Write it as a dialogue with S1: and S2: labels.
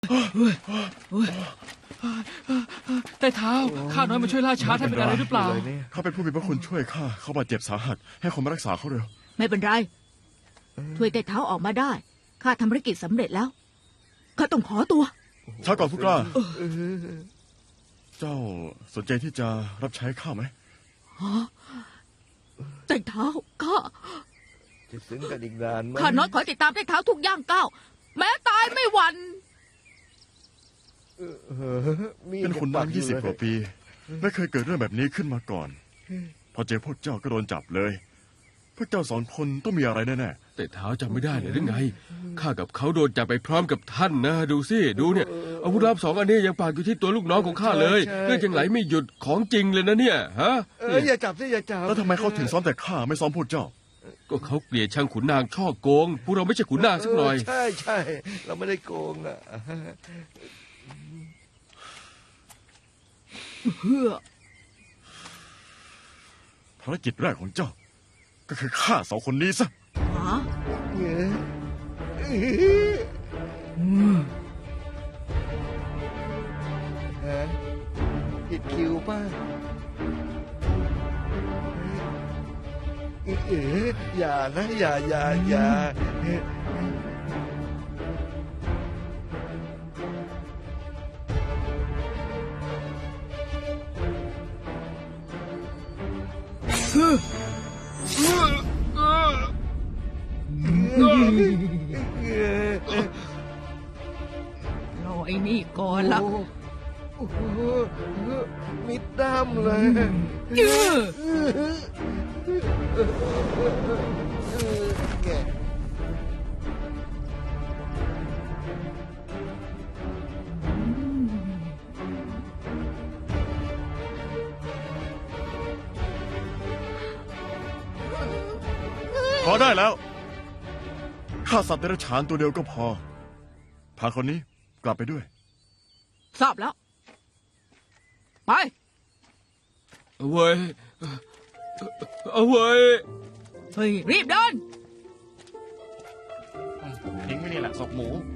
S1: แต่เท้าข้าน้อยมาช่วยล่าช้าท่านเป็นอะไรหรือเปล่า
S2: เขาเป็นผู้มีพระคุณช่วยข้าเขาบาดเจ็บสาหัสให้คนมารักษาเขาเร็ว
S3: ไม่เป็นไรช่วยแต่เท้าออกมาได้ข้าทำภารกิจสำเร็จแล้วข้าต้องขอตัว
S2: ช้าก่อนผู้กล้าเจ้าสนใจที่จะรับใช้ข้าไหม
S3: แต่เท้าข้า
S4: จะซึ้งกันอีกนานไหม
S3: ข้าน้อยขอติดตามแต่เท้าทุกย่างก้าวแม้ตายไม่หวั่น
S2: เป็นขุนนาง20 กว่าปี ไม่เคยเกิดเรื่องแบบนี้ขึ้นมาก่อน พอเจอพวกเจ้าก็โดนจับเลย พวกเจ้า2 คนต้องมีอะไรแน่
S5: แต่เท้าจำไม่ได้เลยหรือไงข้ากับเขาโดนจับไปพร้อมกับท่านนะดูสิดูเนี่ยอาวุธลับ2 อันนี้ยังปากอยู่ที่ตัวลูกน้องของข้าเลยเลือดยังไหลไม่หยุดของจริงเลยนะเนี่ยฮะ
S4: อย่าจับสิอย่าจับ
S2: ๆแล้วทำไมเขาถึงซ้อมแต่ข้าไม่ซ้อมพวกเจ้า
S5: ก็เขาเกลียดช่างขุนนางช่อโกงพวกเราไม่ใช่ขุนนางสักหน่อย
S4: ใช่ใช่เราไม่ได้โกงอ่ะ
S3: เพื่อ
S2: ภารกิจแรกของเจ้า ก็คือฆ่า2 คนนี้ซะ
S3: หา
S4: ฮะผิดคิวป่ะอย่านะอย่า
S3: รอไอ้นี่ก่อนละ
S4: โอ้โหมิดด้ามเลย แก
S2: พอได้แล้วฆ่าสัตว์เดรัจฉานตัวเดียวก็พอ พาคนนี้กลับไปด้วย
S3: ทราบแล้ว ไป
S5: เอาเว้ยเอาเว้ย
S3: เฮ้ยรีบเดิน
S2: ทิ้งไว้นี่แหละศพหมู